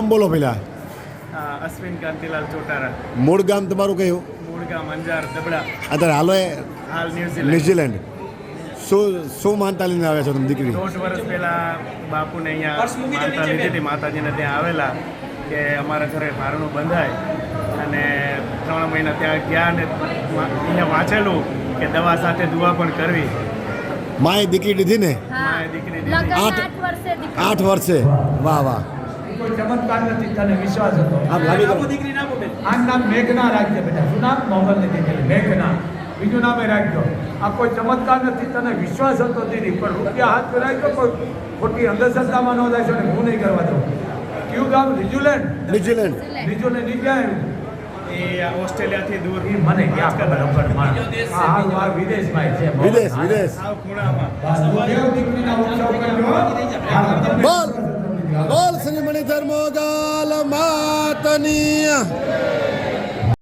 બોલો પેલા. અશ્વિન કાંતિલાલ ચોટારા. મૂળ ગામ તમારું કયું? મૂળ ગામ અંજાર દબડા. અત્યારે હાલો એ હાલ ન્યુઝીલેન્ડ. ન્યુઝીલેન્ડ. શું માનતા લઈને આવ્યા છો તમે દીકરી? 1.5 વર્ષ પહેલા બાપુને અહીંયા માનતા લીધી હતી, માતાજીને ત્યાં આવેલા કે અમારા ઘરે ભારણું બંધાય, અને 3 મહિના ત્યાં ગયા ને અહીંયા વાંચેલું કે દવા સાથે દુઆ પણ કરવી. માએ દીકરી લીધી ને? માએ દીકરી દીધી. 8 વર્ષે. વાહ વાહ. કોઈ ચમત્કાર નથી, તને વિશ્વાસ હતો. આપ લાગી ગયો. દીકરી ના બોલે. આ નામ મેઘના રાખજે બેટા. શું નામ? મોગલ નથી દીકરી મેઘના. બીજું નામે રાખજો. આ કોઈ ચમત્કાર નથી, તને વિશ્વાસ હતો દીદી, પણ રૂપિયા હાથ પર રાખજો, કોઈ ખોટી અંધશ્રદ્ધામાં ન જાય છે ને હું નહીં કરવા દઉં. કયું ગામ? ન્યુઝીલેન્ડ. ન્યુઝીલેન્ડ. ન્યુઝીલેન્ડ ની ક્યાં એ ઓસ્ટ્રેલિયાથી દૂર. એ મને ક્યાં ખબર ખબર હા વિદેશમાં છે. વિદેશ. સાવ ખૂણામાં. દીકરીના ઉત્સવ કરજો. બોલ બોલ શ્રી મણિધર મોગલ માતની.